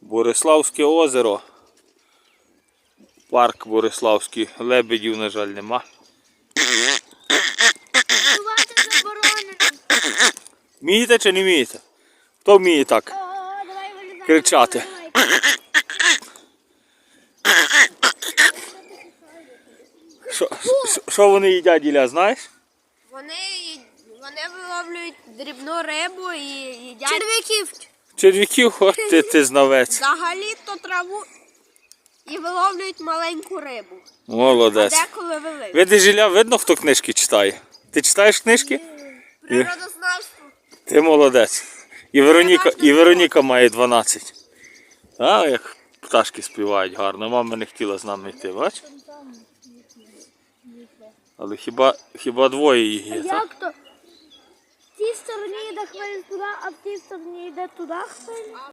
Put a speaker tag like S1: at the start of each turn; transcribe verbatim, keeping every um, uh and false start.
S1: Бориславське озеро. Парк Бориславський. Лебедів, на жаль, нема.
S2: Бувати заборонено.
S1: Вмієте чи не вмієте? Хто вміє так
S2: О, давай вилізай.
S1: кричати? Що- що- Що вони їдять, Ілля, знаєш?
S3: Вони, вони виловлюють дрібну рибу і їдять
S2: Черв'яків.
S1: Черв'яків, от ти, ти знавець.
S3: взагалі-то траву і виловлюють маленьку рибу. А
S1: Молодець.
S3: деколи велику.
S1: Видиш, Ілля, видно, хто книжки читає? Ти читаєш книжки?
S3: Природознавство.
S1: Ти молодець. І Вероніка, і Вероніка має дванадцять. А, як пташки співають гарно. Мама не хотіла з нами йти, бач? Але хіба, хіба двоє їх є, так?
S2: Як то? В тій стороні йде хвиль туди, а в тій стороні йде туди хвиль.